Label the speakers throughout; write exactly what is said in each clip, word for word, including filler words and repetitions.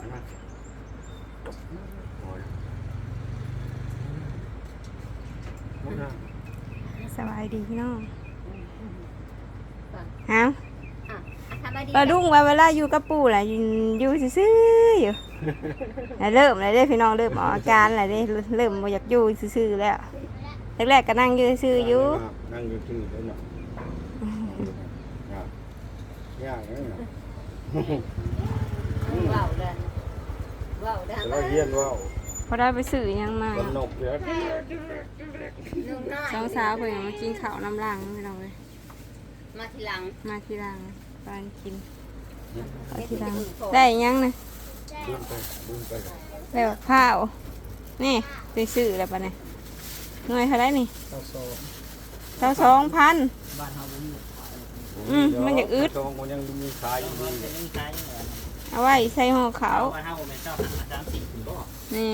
Speaker 1: สบายดีพี่น้องฮะปลาดุ้งว่าเวลาอยู่กับปู่แหละอยู่ซื่อๆอยู่เริ่มเลยเด้พี่น้องเริ่มออกอาการอะไรเด้เริ่มอยากอยู่ซื่อๆแล้วแรกๆก็นั่งอยู่ซื่ออยู่
Speaker 2: นั่งอยู่ซื่อแล้วเนาะยากเลยนะ
Speaker 3: ว้าวเด้อว้าวเด้อ
Speaker 2: เราเยี่ยนว้าว
Speaker 1: พอได้ไปสื่อยังมา
Speaker 2: สนุกเลย
Speaker 1: สองสาวเพิ่นมากินข้าวน้ำลังพี่น้องเลย
Speaker 3: มาทีหลัง
Speaker 1: มาทีหลังปานกินทีหลังได้ยังนะได้แบบข้าวนี่ไปซื้อแล้วปะเนี่ยหน่วยเท่าไรนี่เท่าสองพันอืมมันอยากอึด
Speaker 2: มันยังมีขายอยู่
Speaker 1: เอาไว้ใส่ห่อขาวนี่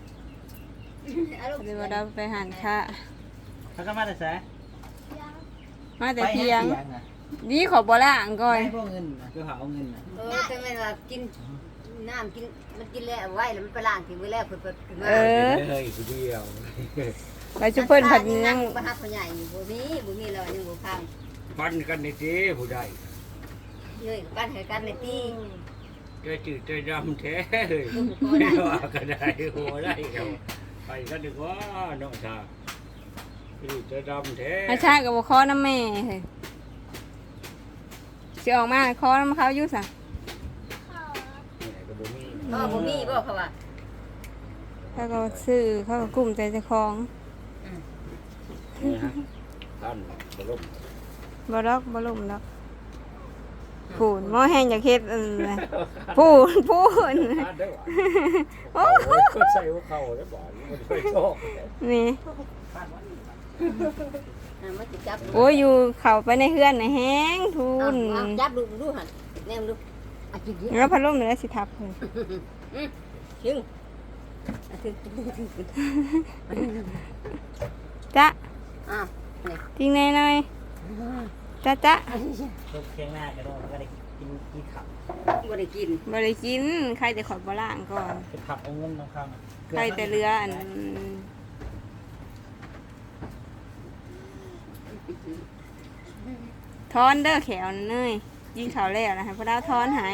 Speaker 1: เดี๋ยวเราไปหันค่ะ
Speaker 4: เขาก็มาแต่แส
Speaker 1: มาแต่เที่ยงนี่ขอบ่ล่างก่อน
Speaker 4: พวกเงินคือหาเอาเงิน
Speaker 3: เออแต่มันว่ากินน้ำกินมันกินแล้วไว้แล้วมันไปล้างทิ้งไว้แล้วเพิ่นเพิ่นมา
Speaker 1: เออ
Speaker 2: เฮ้ยผู้เดียว
Speaker 1: ไปชุบเพิ่นผัดยัง
Speaker 3: บ่ฮักผู้ใหญ่บ่มีบ่มีแล้วยังบ่พัง
Speaker 2: ปั้นกันในทีผู้ใด
Speaker 3: เฮ้ยปั้นให้กันในตี
Speaker 2: เจ้าจืดเจ้าดำแท้เลยไม่ว่ากันได้หัวได้เขาไปกันดีกว่าน้องชาจืดเจ้าดำแท้
Speaker 1: อาชากับบ่คอน้ำแม่เฮ้ยสิออกมาคอน้ำเขาอยู่ซะ
Speaker 3: อ๋อบ่มีบ่เขาว่า
Speaker 1: เขาก็ซื้อเขาก็กุ้มใจเจ้าของ
Speaker 2: นี่ฮะท่านบล่ม
Speaker 1: บล็อกบล่มดอกพูนหม้อแห้งอยากเฮ็ดอันน่ะพูนพูน
Speaker 2: โอ้โหใส่หัวเข่าแล้วบ่มันไปโชค
Speaker 1: นี่
Speaker 3: มันสิจับ
Speaker 1: โอ้ยอยู่เข้าไปในเฮือนน่ะแห้งทุน
Speaker 3: จับดูดูหั่นแนมดูอ่ะกินดิ
Speaker 1: แล้วพัดลมนี่สิทับเพิ่น
Speaker 3: อือถึงอ่ะถึง
Speaker 1: จ๊ะ
Speaker 3: อ้าวนี่
Speaker 1: จริงแน่หน่อยจ๊ะจ๊ะ
Speaker 4: ลูกเคียงหน้ากระโดดก็ได้กินกินขับ
Speaker 3: บ่ได้กิน
Speaker 1: บ่ได้กินใครแต่ขอบ่ล่างก่อน
Speaker 4: ไปขับเอาเงินน้องข้าง
Speaker 1: ใครแต่เรืออันทอนเด้อแขวเนยยิงเขาแล้วนะฮะพอดาวทอนหาย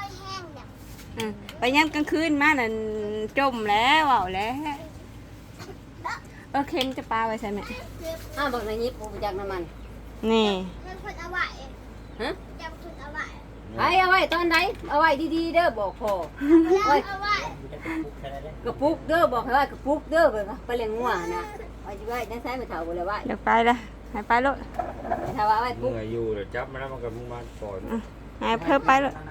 Speaker 1: ไปย่ำกลางคืนมานั่นจมแล้วเอาแล้วเออเค็มจะปลาไว้ใช่ไหม
Speaker 3: อ้าวบอกในนี้ปูจากน้ำมัน
Speaker 1: นี่
Speaker 3: ฮะไอ้เอาไว้ตอนไหนเอาไว้ดีๆเด้อบอกพอไว้กระปุกเด้อบอกให้ว่ากระปุกเด้อไปไปเลี้ยงงัวนะไว้ไว้นั่นใช้ไม่เท่าเลยไว้
Speaker 1: เดี๋ยวไปละหายไปลูก
Speaker 3: ถ้าว่าไว้ปุ๊บ
Speaker 2: อยู่เดี๋ยวจับมาแล้วมันก็มุ่งมาก่อน
Speaker 1: หายเพิ่มไปลูก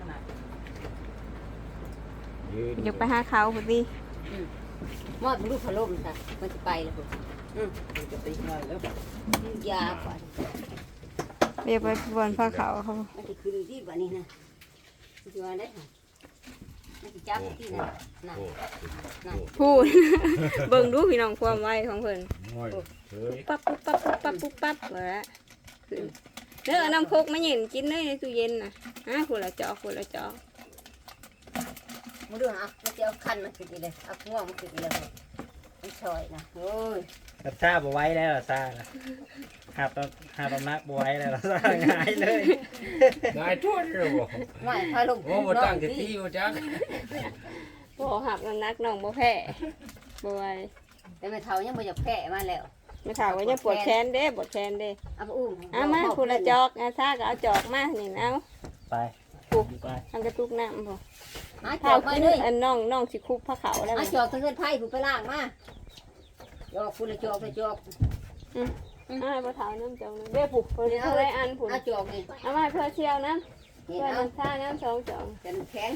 Speaker 1: เดี๋ยวไปหาเขาพอดี
Speaker 3: มอดลูกพัดลมค่ะมันจะไปแล้วปุ๊บอืมจะไปง่ายแล้วยาก่อน
Speaker 1: เดี๋ยวไปบนผ้าขาวเขา
Speaker 3: มันจะคืนที่บ้านนี้นะมันจะมาได้ค่ะมันจะจับที่นั่นนั่นนั่น
Speaker 1: พูดเบิ่งดูพี่น้องความไวของเพิ่นปั๊บปั๊บปั๊บปั๊บปั๊บปั๊บเลยเด้อน้ำโคกมาเย็นกินเลยในตู้เย็นน่ะฮะคนละจอกคนละจอก
Speaker 3: มาดูฮะมันจะเอาคันมาขึ้นเลยเอาง่วงมาขึ้นเลยมันชอยนะโอ้ย
Speaker 4: กับซาบไว้แล้วซาหาบหาบนักบวยแล้วซาง่ายเลย
Speaker 2: ง่ายทุ่นเลยบ่
Speaker 3: ไม่พาลง
Speaker 2: โอ้มาตั้งที่ที่มาจัก
Speaker 1: บ่หับนักน้องบ่แพ้บวย
Speaker 3: แต่ไม่เท่ายังบ่อยากแพ้มาแล้ว
Speaker 1: ไม่เท่าก็ยังปวดแขนเด้ปวดแขนเด้
Speaker 3: เอาอุ้ม
Speaker 1: เอามาคนละจอกอาซาก็เอาจอกมานี่เอา
Speaker 4: ไป
Speaker 1: ปุ๊บทำกระตุกน้ำพอ
Speaker 3: เท้าไปเลย
Speaker 1: อันน้องน้องสิคุบผ้าขาวแล้ว
Speaker 3: จอกทั้งเงินไผ่ผู้ไปล่างมาจอกคุณละจอกไปจอก
Speaker 1: อืมอ่าบ่เท้าน้ำจอกเด้ผูกเพื่ออะไรอันผูก
Speaker 3: เอาจอกนี่
Speaker 1: เอามาเพื่อเชี่ยวน้ำเพื่อน้ำชาน้ำสองจอก
Speaker 3: กันแข็ง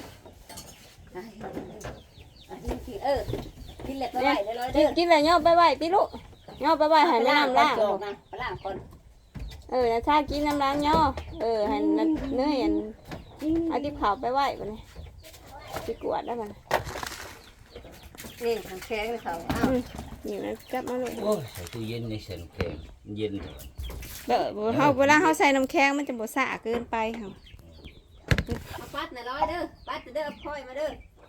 Speaker 3: เออกินเล็กไปไหวเลยเด้อ
Speaker 1: กินอะไรย่อไปไหวพี่ลูกย่อไปไหวหันน้ำล่าง
Speaker 3: ล่างก่อน
Speaker 1: เออชากินน้ำล้างย่อเออหันเนื้อหันเอาที่ขาวไปไหวไปเลยไปกวดได้ไหม
Speaker 3: นี่แข็งเลยเขาอ้าว
Speaker 1: อยู่นะจับมาเลย
Speaker 2: โอ้ใส่ตู้เย็นในเส้นแข็งเย็น
Speaker 1: เด้อเขาเวลาเขาใส่น้ำแข็งมันจะบ่สะเกินไปค่ะ
Speaker 3: ปัดหน่อยร้อยเด้อปัดเด้อพ่อยมาเด้อ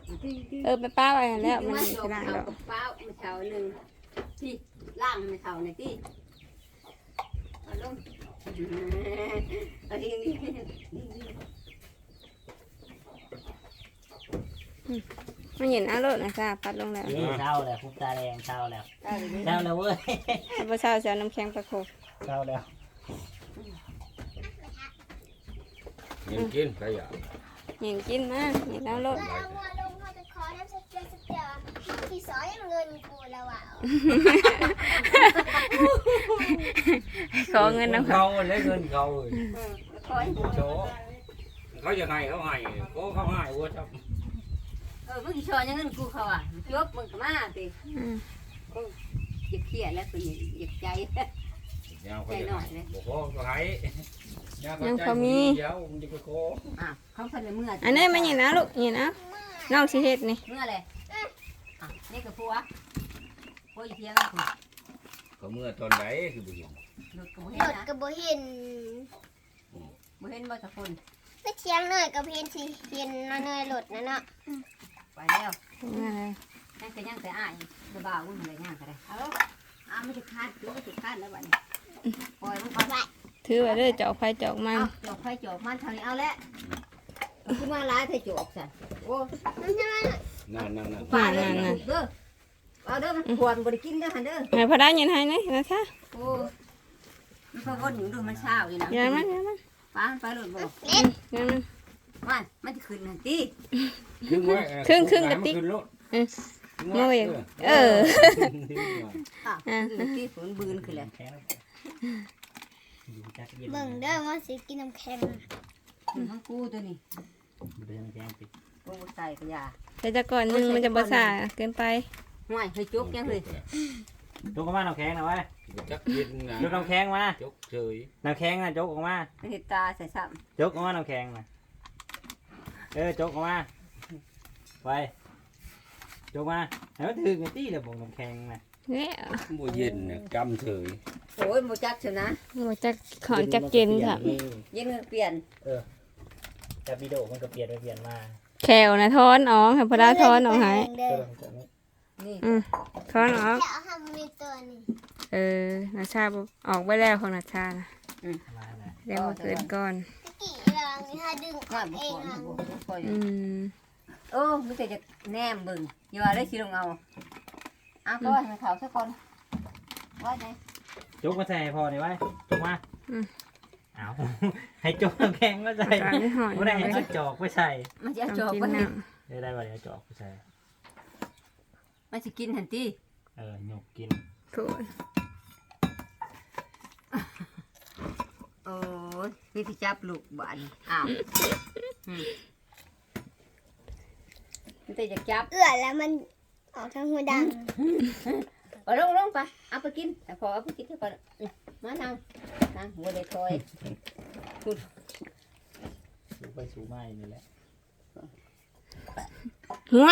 Speaker 1: เออไปป้าไว้แล้วมัน
Speaker 3: มา
Speaker 1: ไม่
Speaker 3: จบ
Speaker 1: ได้
Speaker 3: เอา
Speaker 1: หรอก
Speaker 3: กับเป้ามาเช้าหนึ่งที่ล่างมาเช้าหน่อยที่เอาลงเอาดีนี่
Speaker 1: มันเห็นอารมณ์นะจ้าปัดลงแล้ว
Speaker 4: นี่เศร้าแล้วคุกตาแดงเศร้าแล้ว
Speaker 3: เอาดี
Speaker 4: เศร้าแล้วเว้ย
Speaker 1: พระเช้าจะเอาน้ำแข็งประโคบ
Speaker 4: เศร้าแล้ว
Speaker 2: เงินกินใครอยาก
Speaker 1: เห็นกินมาเห็นอารมณ์
Speaker 5: เอาหัวลงเขาจะขอน้ำสเตียสเตียที่สอยเงินกูแล้วอ่ะ
Speaker 1: ขอเงินน้ำเขา
Speaker 2: เขาเลยเงินเขาเลย
Speaker 3: คอย
Speaker 2: โชเขาจะให้เขาให้เขาเขาให้วัวจับ
Speaker 3: เออเมื่อกี้ชอนยังเงินกูเขาอ่ะยกมึงก็มาสิ
Speaker 1: อืม
Speaker 3: อยากเครียดแล้วคืออยากใจ
Speaker 2: ยาวเขาจะให้บอกเขาเขาให้ยาวเขาใจเดี๋ยวมันจะไปขอ
Speaker 3: อ่ะเขาพันในเมื่อ
Speaker 1: อันนี้มันเห็นนะลูกเห็นนะน้องสิเฮ็ดนี่
Speaker 3: เมื่ออะไรอ่ะนี่กับผัวผัวอีเทียงคุณ
Speaker 2: เขาเมื่อตอนไหนคือบุญ
Speaker 3: หลุดกับ
Speaker 5: ห
Speaker 3: เห็
Speaker 5: ล
Speaker 3: น
Speaker 5: ด
Speaker 3: นะ
Speaker 5: กับโบเห็น
Speaker 3: บ่เห็นบ่สักคน
Speaker 5: ไม่เทียงหน่อยกับเห็นสิเห็นน้อยเนยหลดนะเนาะ
Speaker 3: ไปแล้ว
Speaker 1: นั่นแหละ
Speaker 3: นั่นก็ยังแต่อ้ายจะบ่าวมึงอะไรย่างก็ได้เอาอ้าไม่จะคาดดูไม่จะคาดแล้วบัดนี้ปล่อยมันไป
Speaker 1: ถือไว้เลยเจาะไฟเจาะมัน
Speaker 3: เอาจอกไฟจอกมันเท่านี้เอาละคือมาร้ายเธอจอกซะโอ้
Speaker 5: มันจะมา
Speaker 2: นั่นนั่นนั่น
Speaker 3: ป่าเด้อเด้อเอาเด้อมันควรบ่ได้กินเด้อหันเด้อ
Speaker 1: ให้พอได้ยินให้นะนะจ๊ะ
Speaker 3: โอ้มันพอวนอยู่ดูมันเช้าอยู่นะ
Speaker 1: อย่ามันอย่ามัน
Speaker 3: ป้าไปหลุดบ่
Speaker 1: อืมอย่ามัน
Speaker 3: มันมันจะขึ้นนั่นติ
Speaker 2: ครึ่งไว้
Speaker 1: ครึ่งครึ่งกระติก
Speaker 2: ขึ้นรถ
Speaker 1: เมื่ออย่างเออ
Speaker 3: อ่ะขึ้นติฝนบืนขึ้นแล้ว
Speaker 4: แข็งอยู่จักเย็น
Speaker 5: เบิ่งเด้อว่าสิกินน้ำแข็ง
Speaker 3: ขึ้นทั้งกูตัวนี้
Speaker 4: เดินแข็งติด
Speaker 3: โอ้ใส่กระยา
Speaker 1: แต่จะก่อนหนึงมันจะบ่ซ่าเกินไป
Speaker 3: ห่วยเฮ้ยจุกยังเลย
Speaker 4: ยกออกมาน้ำแข็งนะเว้ย
Speaker 2: จักเย็นนะ
Speaker 4: ยกน้ำแข็งมา
Speaker 2: จกเฉย
Speaker 4: น้ำแข็งนะยกออกมา
Speaker 3: เห็ดตาใส่ซ้
Speaker 4: ยกออกมาน้ำแข็งนะเออยกออกมาไปยกมาให้มันถึงไอ้ตี้เลยบอกน้ำแข็งนะ
Speaker 1: เนี่ย
Speaker 2: บ่เย็นน่ะกำเฉย
Speaker 3: ำโอ้ยโมจักเชียวนะ
Speaker 1: บ่จักขอนจักเกณฑ์ค่ะ
Speaker 3: เย็นเปลี่ยน
Speaker 4: จับวิดีโอมันก็เปลี่ยนไปเปลี่ยนมา
Speaker 1: แขวนะทอนออกให้พอได้ทอนออกให้
Speaker 5: เด้อ
Speaker 3: นี่
Speaker 1: อืมทอนออก
Speaker 5: จะเอาทำมีตัวนี้
Speaker 1: เออนาชาบ่ออกไปแล้วของนาชานะ
Speaker 4: มาแล้ว
Speaker 1: เดี๋ยวมาเกินก่อน
Speaker 5: ตะกี้เรานี่ถ้าดึงอ
Speaker 3: ว่า
Speaker 5: อก
Speaker 3: บุ
Speaker 5: เอง
Speaker 3: คคล
Speaker 5: อ่ะ
Speaker 3: บุคคล
Speaker 1: อืม
Speaker 3: โอ้ไม่เคยจะแนมเบิ่งอย่าว่าได้สิลงเอาเอาก็ให้มันเขาสักคนว่าไง
Speaker 4: จกมาใส่ให้พอนี่ไว้จกมาเอา ให้จกน้ำแข็งมาใส่
Speaker 1: การไม่หอย
Speaker 4: ไม่ได้ให้เอาจอกไปใส่
Speaker 3: มันจะจ
Speaker 1: จ
Speaker 3: บบ
Speaker 1: กิน
Speaker 3: ไป
Speaker 1: น้
Speaker 4: ได้ได้ว่าเดี๋ยวเอาจอกไปใส่
Speaker 3: มันจะกินทันที
Speaker 4: เออหยกกิน
Speaker 1: ำโถ่
Speaker 3: โอ้ยนี่ที่จับลูกบ้านอ้าวมันจะจับ
Speaker 5: เอื้อแล้วมันออกทางหัวดัง
Speaker 3: เอาลงลงไปเอาไปกินแต่พอเอาไปกินเท่าก่อนมานั่งนั่งหัวเลยคอย
Speaker 4: สูไปสูมาอย่างนี้แหละ
Speaker 1: ห่วย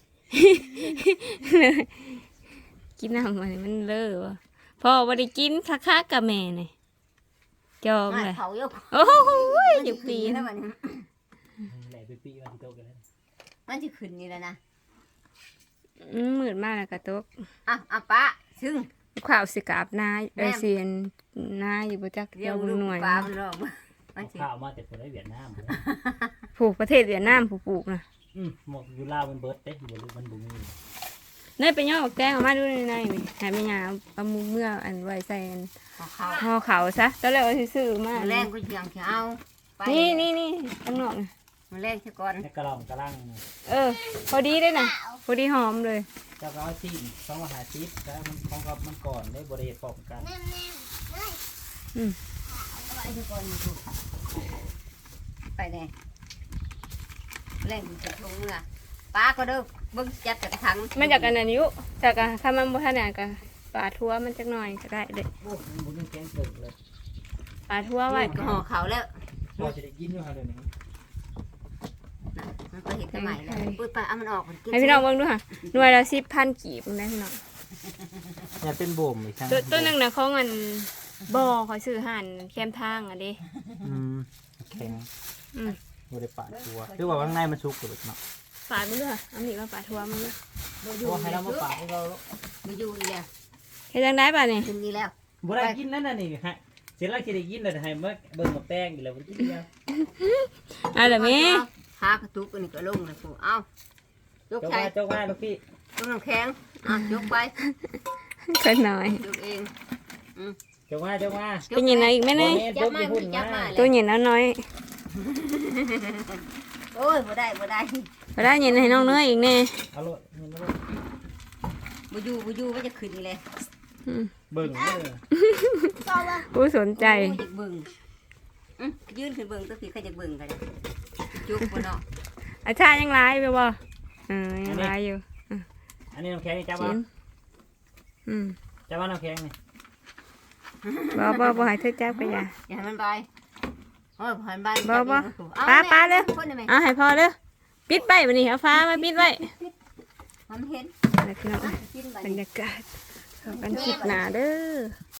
Speaker 1: กินน้ำมันมันเลอะวะพ่อบ่ได้กินคักๆกับแม่นี่จอง
Speaker 3: มา
Speaker 1: เลย
Speaker 3: เขายก
Speaker 1: โอ้โหอยู่ปี
Speaker 3: นะ
Speaker 1: นะ
Speaker 3: มัน
Speaker 4: แหละไปปีมาที่โต๊ะกันแล้ว
Speaker 3: มันจะขึ้นนี่แล้วนะ
Speaker 1: อืมมืดมากแล้วกระตก
Speaker 3: อ่ะอ่ะป้าซึ่ง
Speaker 1: ข่าวสิกราบนาเออเสียนนาอยู่บ่จัก
Speaker 3: เรี
Speaker 1: เดี
Speaker 3: ย
Speaker 1: ยว
Speaker 3: วลูก
Speaker 1: หน่วย
Speaker 3: ปลามันรอบมันสิ
Speaker 4: ข้าวมาแต่คนได้เวียดนาม
Speaker 1: ปลูกประเทศเวียดนามผู้ปลูกนะ
Speaker 4: อืมหมกอยู่ลาวมันเบิร์ดเต้อยู่บนลูกมันบุ้ง
Speaker 1: เนยไปย่อแกงออกมาดูในในนี่ให้แม่ยาเอามือเมื่ออันไว้ใส่อัน
Speaker 3: ของเขา
Speaker 1: ห่อเขาซะตอนแรกว่าสิซื้อมา
Speaker 3: แรงก็ยังจะเอาไป
Speaker 1: นี่นี่นี่ข้างนอกนะ
Speaker 3: มันแรงซะก่อน
Speaker 4: ให้กระลองกระลัง
Speaker 1: เออ พอดีได้นะพอดีหอมเลย
Speaker 4: เจ้าก็เอาซีนสองมหาซีดแล้วมันของกับมันก่อนได้บริเหตุพร้อมกัน
Speaker 5: แน่แน่เฮ้ย
Speaker 3: เอาไปซะก่อนมาดูไปแน่แรงจะลงเมื่อป้าก็เด้อเบิ่งจับจากถัง
Speaker 1: มันจากอันนั้นอยู่จากอะถ้ามันบ่ทันเนี่ยก็ปลาทั่วมันจักหน่อยก็ได้เด้
Speaker 4: โอ้มันบุ้งแข็งเกินเลย
Speaker 1: ปลาทั่วไว้
Speaker 3: ก็ห่อเขาแล้ว
Speaker 4: พอจะได้กินอยู่ค่ะเดี๋ยวนี้
Speaker 3: มันก็เห็นสมัยแล้วปุ้ยไปเอามันออกมันกิน
Speaker 1: ให้พี่น้องเบิ่งดูค่ะหน่วยละสิบพันกีบนะพี่น้อง
Speaker 4: เนี่ยเป็นบ่มอีกครั้ง
Speaker 1: ตัวตัวหนึงน่ะของอันบ่อเขาซื้อหั่นแคมทางอ่ะเด้
Speaker 4: อืมแข็ง
Speaker 1: อืม
Speaker 4: บริปาดตัวหรือว่าข้างในมันสุกหรือเปล่า
Speaker 1: ปาดมันด้วยเอาหนีมาปาดทัวมันด้วย
Speaker 3: บ่อ
Speaker 4: โอ้
Speaker 3: ยู่
Speaker 4: ให้เรามาฝากให้เรา
Speaker 3: บ่อยู่นี่แล้ว
Speaker 1: เฮ็ดจังได้ป่ะนี่
Speaker 3: ขึ้นนี่แล้ว
Speaker 4: บ่ได้กินนั่นน่ะนี่ฮะเสร็จแล้วสิได้กินแล้วให้มาเบิ่งกับแป้งอีกแล้วบ่กินแล้ว
Speaker 1: เอาล่ะแม่
Speaker 3: หากระตุกอันนี้ก็ลงแล้วกูเอ้าย
Speaker 4: จ
Speaker 3: ก
Speaker 4: ก
Speaker 3: ใส่
Speaker 4: มาจกมาลูกพี่
Speaker 3: ยกน้ำแข็งอ่ะยกไป
Speaker 1: คนหน่อย
Speaker 3: ยกเอง
Speaker 4: จกมาจกมา
Speaker 1: เป็นยังไงอีกแม่นี่
Speaker 3: จับมาบ่ได้จับมา
Speaker 1: ตัว
Speaker 3: เลย
Speaker 1: เย็นน้อย
Speaker 3: โอ้ยบ่ได้บ่ได้
Speaker 1: ๆไปได้เย็นให้น้องเนื้ออีกแน่
Speaker 4: เอาโลดเงินมาโลด
Speaker 3: บ่อยู่บ่อยู่ว่าจะขึ้นนี่เลย
Speaker 1: อืม
Speaker 4: เบิ่งเด้อ
Speaker 5: ต่อมา
Speaker 1: ผู้สนใจ
Speaker 3: โอ้ยอยากเบิ่งอื้อยืนขึ้นเบิ่งตัวพี่ใครจะเบิ่งกันจุกบ่เนาะ
Speaker 1: อาชายังร้ายไปบ่เออยังร้ายอยู่
Speaker 4: อันนี้น้ำแข็งนี่จับ
Speaker 1: กิ
Speaker 4: เอา
Speaker 1: นอืม
Speaker 4: จับเอาน้ำแข็งนี่
Speaker 1: บ่บ่บ่ให้เธอจับก็อย่า
Speaker 3: อย่าให้มันไปโอ้ยผ่านบ้าน
Speaker 1: บ่บ่
Speaker 3: เอ
Speaker 1: ปลาปลาเลย
Speaker 3: คนได้ไหม
Speaker 1: เอาให้พอเด้อปิดไปบัดนี้เอาฟ้ามาปิดไว้
Speaker 3: มันเห็น
Speaker 1: แล้วพี่น้อง
Speaker 3: กินไป
Speaker 1: บรรยากาศเข้ากันคลิปหน้าเด้อ